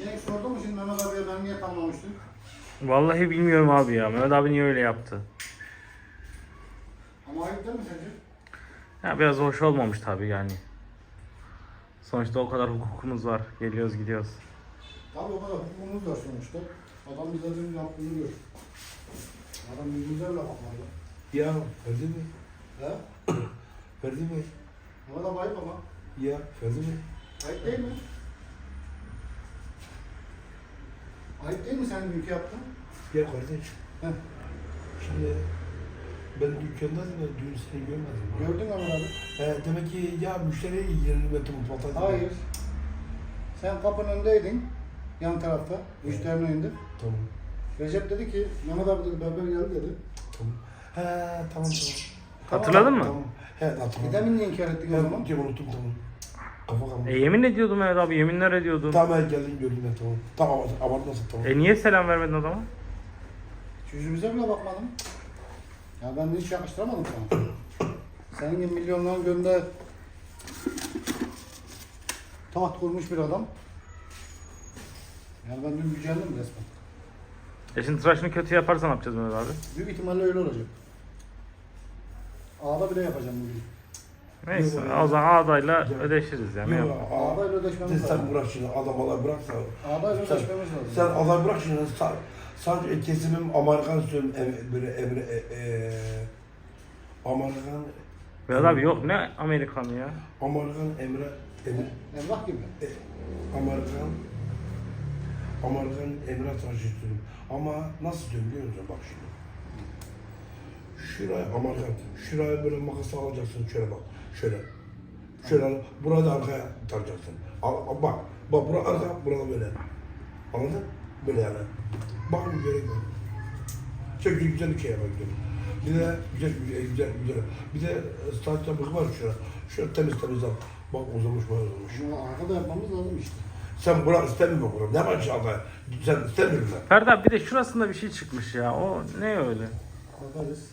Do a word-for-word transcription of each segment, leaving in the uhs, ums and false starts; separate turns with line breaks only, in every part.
Cenk sordu mu şimdi Mehmet abiye ben niye tamlamıştım?
Vallahi bilmiyorum abi ya. Mehmet abi niye öyle yaptı?
Ama ayıp değil mi sence?
Ya biraz hoş olmamış tabii yani. Sonuçta o kadar hukukumuz var. Geliyoruz gidiyoruz.
Tabii o kadar hukukumuz var sonuçta. Adam bize dün yaptığını gör. Adam yüzümüze bile bakmadı.
Ya Ferdi mi?
He?
Ferdi mi?
Mehmet abi ayıp ama.
Ya Ferdi mi?
Ayıp değil mi? Ayıp değil mi sen dünkü yaptın?
Ya kardeş.
Heh.
Şimdi ben dükkandaydım da dün seni görmedim.
Gördün mü Mehmet abi?
He, demek ki ya müşteri yerini ve tüm patladı.
Hayır. Sen kapının önündeydin. Yan tarafta. Müşterinin önünde.
Tamam.
Recep dedi ki Mehmet abi dedi berber geldi dedi.
Tamam. He tamam tamam.
Hatırladın mı?
Tamam. He
E
hatırladım.
demin niye inkar ettin o zaman?
He unuttum tamam. Kafa kalmadı.
E yemin ediyordum Mehmet abi. Yeminler ediyordum.
Tamam he geldin gördüm ben tamam. Tamam abartmasın tamam.
E niye selam vermedin o zaman?
Yüzümüze bile bakmadım. Ya ben de hiç yakıştıramadım sana. Senin gibi milyonların gönlünde taht kurmuş bir adam. Yani ben dün gücendim resmen.
E şimdi tıraşını kötü yaparsan ne yapacağız Mehmet abi?
Büyük ihtimalle öyle olacak. Ağda bile yapacağım bugün.
Neyse
Yok,
o zaman ağdayla
yok.
ödeşiriz yani. Ne
Yok,
yapalım?
aa,
Ağdayla ödeşmemiz
sen,
lazım.
sen bırak şimdi adam olay bırak sen.
Ağdayla
Sen,
ödeşmemiz lazım.
sen adam bırak şimdi sa- sadece kesimim Amerikan söylüyorum em, böyle emre e, e, Amerikan
Mehmet abi yok ne Amerikanı ya?
Amerikan emre emre
Emrah gibi.
e, Amerikan Amerikan emre tıraşı istiyorum. Ama nasıl diyorum biliyor musun bak şimdi. Şuraya Amerikan, şuraya böyle makas alacaksın şöyle bak, şöyle. Şöyle, burada arkaya taracaksın. Al, al, bak, bak burada arka, burada böyle. Anladın? Böyle yani. Bak gerek yok. Çok güzel bir şey yapmak istiyorum. Bir de güzel, güzel, güzel, güzel. Bir de saç yapık var şurada. Şöyle temiz temiz al. Bak uzamış, bayağı uzamış.
Şunu arkada yapmamız lazım işte.
Sen bırak istemiyor bunu. Ne var inşallah? Sen istemiyor musun?
Ferdi abi bir de şurasında bir şey çıkmış ya. O ne öyle?
Bakarız.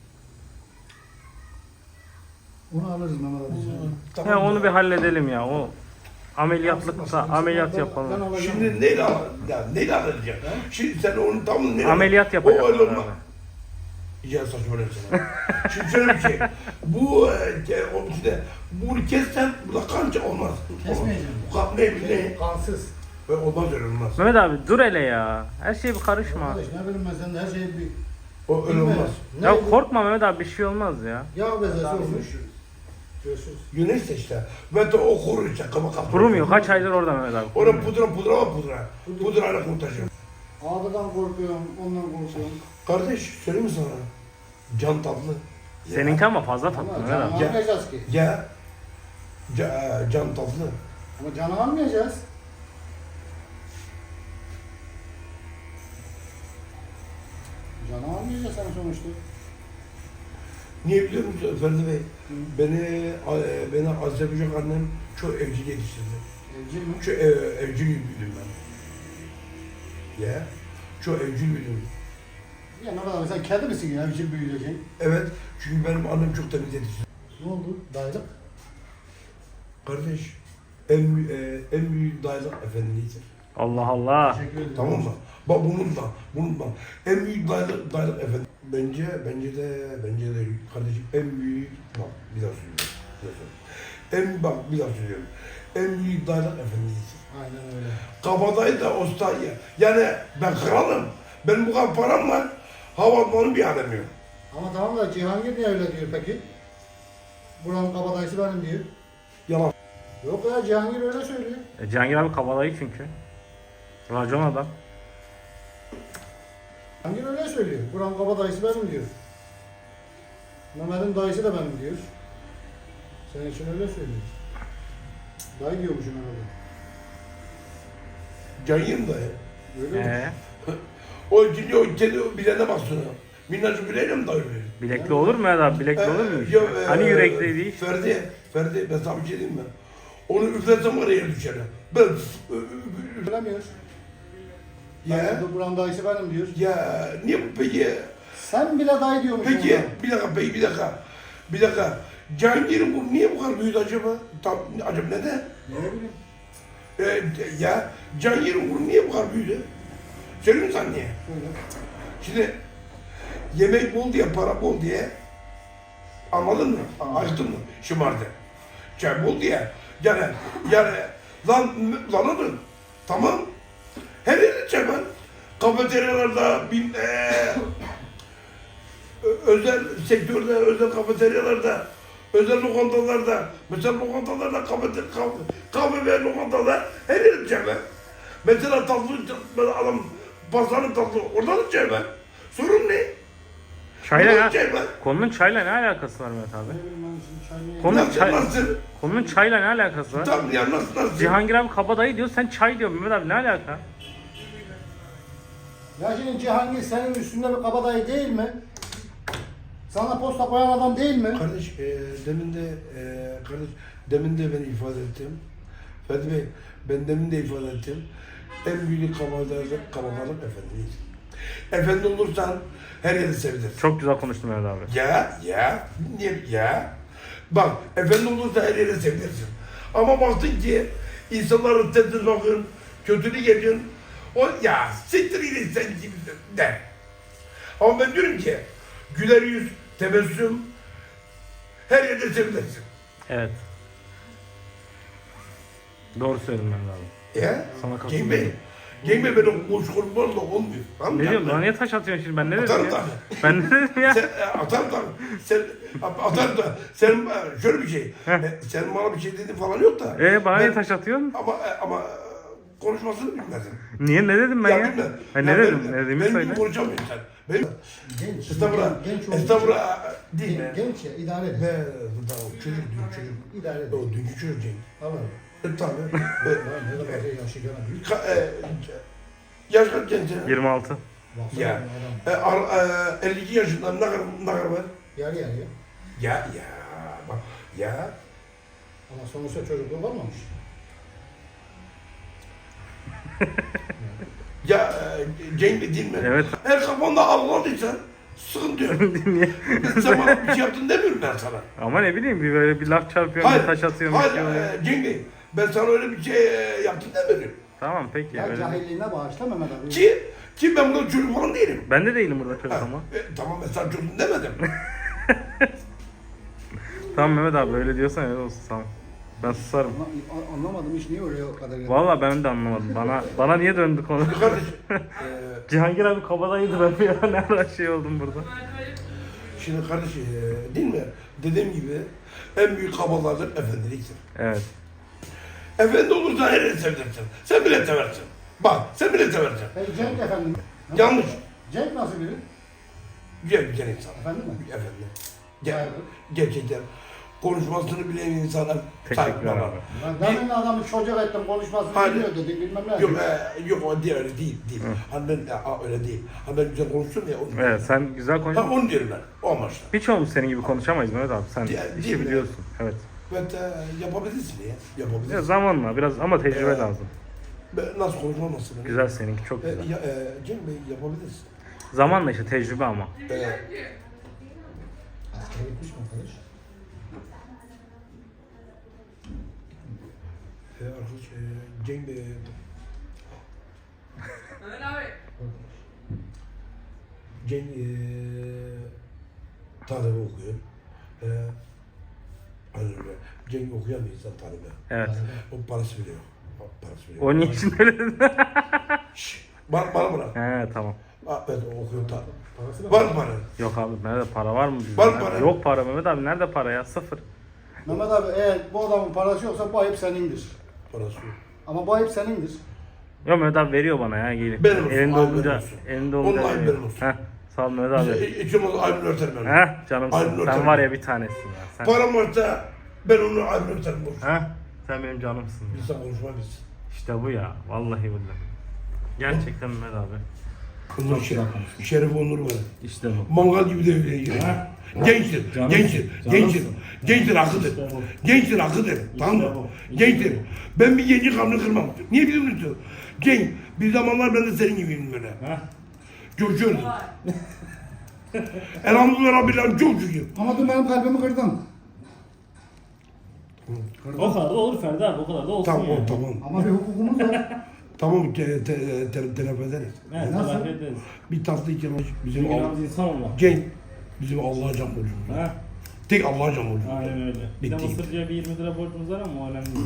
Onu alırız Mehmet abi.
Ya onu bir halledelim ya. O ameliyatlıksa
Aslında-
ameliyat
aslında ben-
yapalım.
ben alacağım.
Şimdi neyle al? Ya neyle alacak? Şimdi sen onun tam neyle
Ameliyat yapacak
O öyle
onlar
olmaz.
abi.
Ya saçmalama sana. Şimdi şöyle bir şey. Bu e, o işte bunu kessen bu da kanca olmaz.
Kesmeyeceğim.
Bu kan ne bileyim.
Kansız.
Ve olmaz öyle olmaz.
Mehmet abi dur hele ya. Her şeye bir karışma.
Arkadaş ne bileyim ben senin her şeyi bir...
O öyle olmaz.
Ne
Ya
bu?
korkma Mehmet abi bir şey olmaz ya.
Yağ bezesi olmuş. Görüşürüz.
Güneş de işte. Ve de o kurur işte. Kama kapı.
Kurumuyor. Kaç aydır orada Mehmet abi.
Orada
kurumuyor.
pudra pudra var pudra. Pudrayla kurtaracağım.
Ağdadan korkuyorum, ondan korkuyorum.
Kardeş söyleyeyim mi sana? Can tatlı.
Seninki ama fazla tatlı
Ama
Mehmet
canı
abi.
almayacağız ki.
Ya. Ca, can tatlı.
Ama canı almayacağız. Canı almayacağız sen sonuçta.
Niye biliyor musun Ferdi Bey? Beni e, beni Azerbaycan annem çok evcil yetiştirdi.
Evcil mi?
Çok e, evcil büyüdüm ben. Ya. Çok evcil büyüdüm.
Ya ne kadar sen kedi misin ya evcil büyüyeceksin?
Evet. Çünkü benim annem çok temiz yetiştirdi.
Ne oldu? Dayılık.
Kardeş. En, bü- e, en büyük dayılık efendiliğidir.
Allah Allah.
Teşekkür ederim.
Tamam mı? Bak bunun da, bunun da. En büyük dayılık, dayılık efendim. Bence, bence de, bence de kardeşim en büyük, bak bir daha söylüyorum. Bir daha söylüyorum. En, bak bir daha söylüyorum. En büyük dayılık efendiliğidir.
Aynen öyle.
Kabadayı da ustayı. Yani ben kralım. Benim bu kadar param var. Havalimanı bir alem yok.
Ama tamam da Cihangir niye öyle diyor peki? Buranın kabadayısı benim diyor.
Yalan.
Yok ya Cihangir öyle söylüyor.
E, Cihangir abi kabalayı çünkü. Racon adam.
Cihangir öyle söylüyor. Buranın kabadayısı benim diyor. Mehmet'in dayısı da benim diyor. Senin için öyle söylüyor. Dayı diyormuşum herhalde.
Cayım da.
Öyle mi?
Ee,
O gidiyor, o kedi bilene baksana. Minnacık bileyle mi dayıyor?
bilekli olur mu Mehmet abi? Bilekli olur mu?
Yok, e,
Hani yürekli değil?
Ferdi, Ferdi ben sana bir şey diyeyim mi? Onu üfletsem var ya yere düşer. Ben
Söylemiyor.
ya
Dayı, buranın dayısı benim diyor.
ya niye bu peki?
Sen bile dayı diyormuşsun.
Peki
ona.
bir dakika peki bir dakika. Bir dakika. Cihangir'in bu niye bu kadar büyüdü acaba? Tam acaba neden?
Ne bileyim.
Ee, ya Can Yerin niye bu kadar büyüdü? Söyleyeyim mi sana niye?
Böyle.
Şimdi yemek bol diye, para bol diye anladın mı? Açtın mı? Şımardı. Çay bol diye. Yani, yani lan, lan oğlum, tamam. Her yerde çay var. Kafeteryalarda, bin, ee, özel sektörde, özel kafeteryalarda, özel lokantalarda, mesela lokantalarda, kahve, kahve, kahve ve lokantalarda her yerde çay var. Mesela tatlı, mesela adam pazarın tatlı, orada da çay var. Sorun ne?
Çayla
Orada da
ne?
çay var.
Konunun çayla ne alakası var Mehmet abi?
Ne bileyim ben şimdi çay niye-
Konu-
Nasıl,
çay-
nasıl?
Konunun çayla ne alakası var?
Tamam ya nasıl, nasıl?
Cihangir abi kabadayı diyor, sen çay diyor Mehmet abi, ne alaka?
Ya şimdi Cihangir senin üstünde bir kabadayı değil mi? Sana posta koyan adam değil mi?
Kardeş, e, demin de, e, kardeş, demin de ben ifade ettim. Fethi Bey, ben demin de ifade ettim. En büyük kabalık, kabalık efendilik. Efendi olursan her yeri sevilirsin.
Çok güzel konuştun Mehmet abi.
Ya, ya, niye, ya. Bak, efendi olursa her yeri sevilirsin. Ama baktın ki insanların tedbir bakın, kötülük ediyorsun. O ya siktir gidin sen gibi der. Ama ben diyorum ki güler yüz, tebessüm her yerde sevilirsin.
Evet. Doğru söyledin Mehmet abi.
Ya,
Sana
Cenk
katılıyorum.
Bey, Cenk Bey benim boş konuşmalarla olmuyor. Tamam mı?
Ne diyorsun? Bana niye taş atıyorsun şimdi? Ben ne dedim
Atarım
ya?
tabii.
Ben ne dedim ya?
Sen e, atarım tabii. Sen atarım da sen e, şöyle bir şey.
Heh.
e, Sen bana bir şey dediğin falan yok da.
Ee bana
Ben-
niye taş atıyorsun?
Ama e, ama e, konuşmasını bilmezsin.
Niye, ne dedim ben ya?
bilmem.
Ha, ne
Ya
dedim?
benim-
Ne dediğimi
benim
söyle.
gibi konuşamıyorsun sen. Benim
Genç.
estağfurullah.
Genç olduğu
Estağfurullah değil
için-
mi?
Genç ya idare
Ne?
eder.
Tamam, çocuk diyor çocuk.
İdare eder.
O dünkü çocuk Cenk.
Tamam.
E, tabii. E,
Lan ne kadar şey yaşı gene büyük.
ka- e, yaş kaç genç ya?
yirmi altı.
Baksana
Ya.
adam.
E, ar- e, elli iki yaşında ne kadar, ne kadar var?
Yarı yarıya.
Ya ya bak ya.
Ama sonuçta çocukluğu kalmamış.
Ya e, Cenk Bey değil mi?
Evet.
Her kafanda ağladıysan sıkıntı yok.
Niye?
Sen bana bir şey yaptın demiyorum ben sana.
Ama ne bileyim, bir böyle bir laf çarpıyorum, bir taş atıyorum. bir
hayır
şey oluyor.
e, Cenk Bey, ben sana öyle bir şey e, yaptın demiyorum.
Tamam peki.
Ya
öyle.
cahilliğine bağışla Mehmet abi.
Ki, ki ben burada çocuk falan değilim.
Ben de değilim burada çocuk
Ha,
ama.
e, tamam ben sana çocuk demedim.
Tamam Mehmet abi, öyle diyorsan öyle olsun, tamam. Ben susarım.
Anla- Anlamadım hiç niye öyle o kadar.
Vallahi ben de anlamadım. Bana bana niye döndü konu?
Kardeş, e,
Cihangir abi kabadayıydı, ben bir ara ne ara şey oldum burada.
şimdi kardeş e, değil mi? Dediğim gibi en büyük kabalardır efendiliktir.
Evet.
Efendi olursa her yeri seversin. Sen bile seversin. Bak sen bile seversin.
Peki Cenk efendim.
Yanlış.
Cenk nasıl biri?
Güzel güzel insan.
Efendim mi?
Efendi. Ger
Hayırdır?
gerçekten konuşmasını bilen insanlar
Teşekkürler
saygılar.
abi.
Ben demin adamı çocuk ettim konuşmasını
Hayır.
biliyor dedik bilmem ne.
Yok e, yok o diye öyle değil değil. Hani ben e, a, öyle değil. Hani ben güzel konuştum ya onu.
Evet, sen güzel konuş.
Ha onu diyorum ben. O amaçla.
Birçoğumuz senin gibi konuşamayız Mehmet abi. Sen
Değil-
işi
değil mi?
biliyorsun. Evet.
Ve e, yapabilirsin ya.
Ya
Yapabilirsin.
zamanla biraz ama tecrübe
Ee,
lazım.
Ben nasıl konuşmam nasıl? benim?
Güzel, seninki çok
E,
güzel.
ya, e, Cem Bey yapabilirsin.
Zamanla işte, tecrübe ama.
E,
Askere gitmiş mi arkadaş?
e, arkadaş e, Cem Bey Cem e, tarihi okuyor. E, hani öyle. Cem okuyan bir insan tarihi.
Evet.
O parası biliyor. Parası biliyor.
O niçin öyle dedin?
Şşş, bana, bana bırak.
He tamam.
Ha, evet o okuyor tarih.
Parası da
Var mı para?
Yok abi, nerede para var mı bizde?
Var mı
Nerede?
para?
Yok para Mehmet abi, nerede para ya? Sıfır.
Mehmet abi eğer bu adamın parası yoksa bu ayıp senindir.
Parası yok.
Ama bu ayıp senindir.
Yok Mehmet abi veriyor bana ya, gelip.
Benim olsun,
Elinde
abi
olunca,
benim olsun.
elinde
Onun
olunca
ayıp
veriyor.
benim olsun.
Heh, sağ ol Mehmet
Bize
abi.
hiç olmazsa ayrını örterim ben.
Heh, canımsın.
Ayrını
Sen
örterim.
var ya bir tanesin ya. Sen,
Param varsa ben onu ayrını örterim. boş.
heh, sen benim canımsın. Ya.
Biz de konuşmayız.
İşte bu ya. Vallahi billahi. Gerçekten Mehmet abi.
Bunun şeref, şeref onur var.
İşte bu.
Mangal gibi de öyle yiyor. Gençtir, gençtir, gençtir. Gençtir, akıdır. Gençtir, akıdır. Tamam mı? Gençtir. Ben bir genci kanını kırmam. Niye biliyor musun? Genç. Bir zamanlar ben de senin gibiydim böyle. Coşuyordum. Elhamdülillah Rabbil Alemin çok şükür.
Ama dün benim kalbimi kırdın.
O kadar da olur Ferdi abi, o kadar da olsun
Tamam
yani.
o tamam.
Ama bir hukukumuz var.
Tamam te, te, te, telafi ederiz.
Evet,
Nasıl?
telafi ederiz.
Bir tatlı iki yalan bizim
Çünkü
Allah.
yalnız insan olmak.
Cenk bizim Allah'a can borcumuz. var.
Ha?
Tek Allah'a can borcumuz. var.
Aynen öyle. Bir de
Bitti.
Mısırcıya bir yirmi lira borcumuz var ama o önemli değil.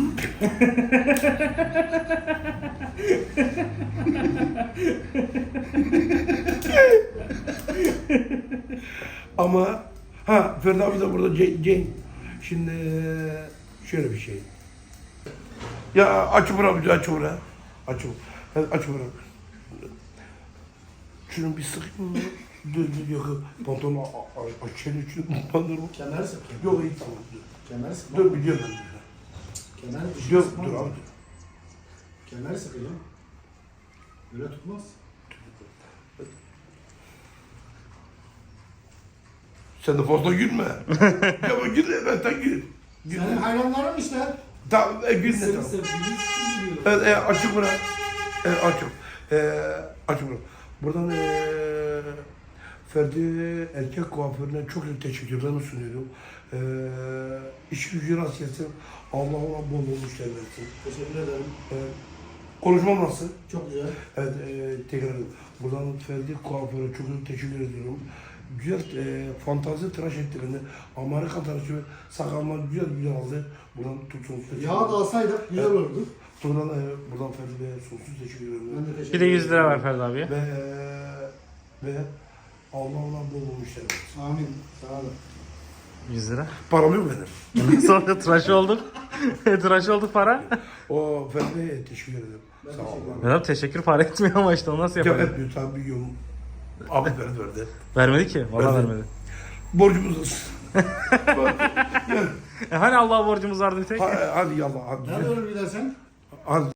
Ama ha Ferdi abi de burada Cenk. Cenk. Şimdi şöyle bir şey. Ya aç bırak, aç bırak. Aç bırak. Aç bırak. Şunu bir sıkayım mı? Dur dur yok. Pantolonu açayım için pantolonu.
Kemer sık.
Yok iyi tamam. Dur,
Kemer sık.
dur biliyorum ben.
Kemer
Dur
sıkmaz.
dur abi.
Kemer sıkıyor. Böyle tutmaz.
Sen de fazla gülme. Ya bak gülme ben sen gül. Gül.
Senin hayranların işte.
Tamam e, gülme
Seni
tamam.
sevdiğini biliyor.
Evet, e, açık bırak. E, açık. E, açık bırak. Buradan e, Ferdi erkek kuaförüne çok çok teşekkürlerimi sunuyorum. E, iş gücü rast gelsin. Allah ona bol bol müşteri versin.
Teşekkür ederim.
E, konuşmam nasıl?
Çok güzel.
Evet, e, tekrar ederim. Buradan Ferdi kuaföre çok çok teşekkür ediyorum. Güzel e, fantazi tıraş ettiğinde Amerikan tıraşı ve sakallar güzel güzel aldı. Buradan tutsun.
Yağ da alsaydık güzel olurdu.
Buradan, e, buradan Ferdi'ye sonsuz teşekkür ederim.
Ben de teşekkür
Bir de yüz lira ver
ederim.
Ferdi abiye.
Ve ve Allah Allah bol bol müşteri.
Amin. Sağ olun.
yüz lira.
Param yok benim.
Sonra tıraş olduk. tıraş olduk para.
O Ferdi'ye teşekkür ederim.
Ben
Sağ
teşekkür
ol.
ederim.
Merhaba, teşekkür para etmiyor ama işte onu nasıl
Ya
yapalım?
etmiyor tabii bir yol. Abi verdi verdi.
Vermedi ki. Vallahi
Verdi.
vermedi.
Borcumuz olsun. Gel.
E hani Allah'a borcumuz vardı bir tek?
Ha- Hadi yallah hadi.
Nerede olur gidersen?
Hadi.